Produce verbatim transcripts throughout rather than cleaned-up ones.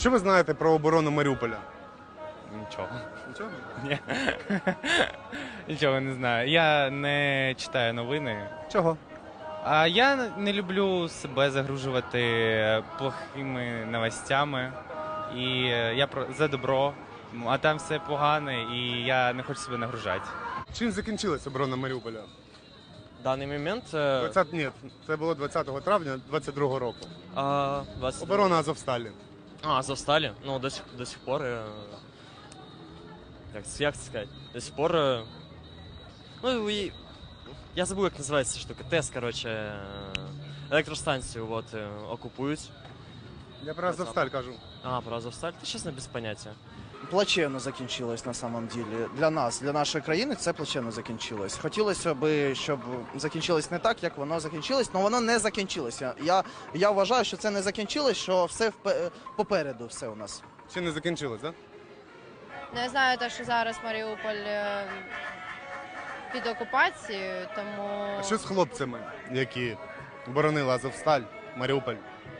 Що ви знаєте про оборону Маріуполя? Нічого. Нічого? Ні. Нічого не знаю. Я не читаю новини. Чого? А я не люблю себе загружувати плохими новостями. І я про за добро, а там все погане, і я не хочу себе нагружати. Чим закінчилась оборона Маріуполя? В даний момент е, двадцятого Ні, це було двадцятого травня двадцять другого року. а, двадцять Оборона Азовсталі. А, Азовсталі? Ну, до сих, до сих пор. е, Як, це- як це сказати? До сих пор. е, Ну, і, я забув, як називається ця штука. ТЕС, коротше, е, електростанцію от, е, окупують. Я про Азовсталь кажу. А, про Азовсталь? Та чесно, без поняття. Плачевно закінчилось на самом деле. Для нас, для нашої країни це плачевно закінчилось. Хотілося б, щоб закінчилось не так, як воно закінчилось, але воно не закінчилося. Я, я вважаю, що це не закінчилось, що все впе- попереду все у нас. Ще не закінчилось, так? Не знаю, те, що зараз Маріуполь е, під окупацією, тому А що з хлопцями, які боронили Азовсталь, Маріуполь?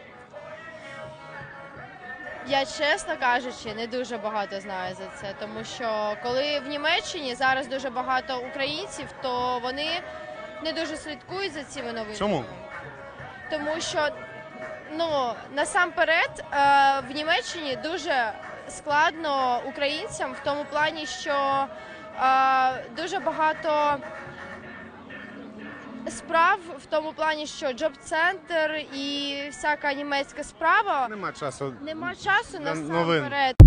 я, чесно кажучи, не дуже багато знаю за це. Тому що коли в Німеччині зараз дуже багато українців, то вони не дуже слідкують за цими новинами. Чому? Тому що, ну, насамперед, е, в Німеччині дуже складно українцям в тому плані, що е, дуже багато справ в тому плані, що джоб-центр і всяка німецька справа. Нема часу. Нема часу Для новин. насамперед.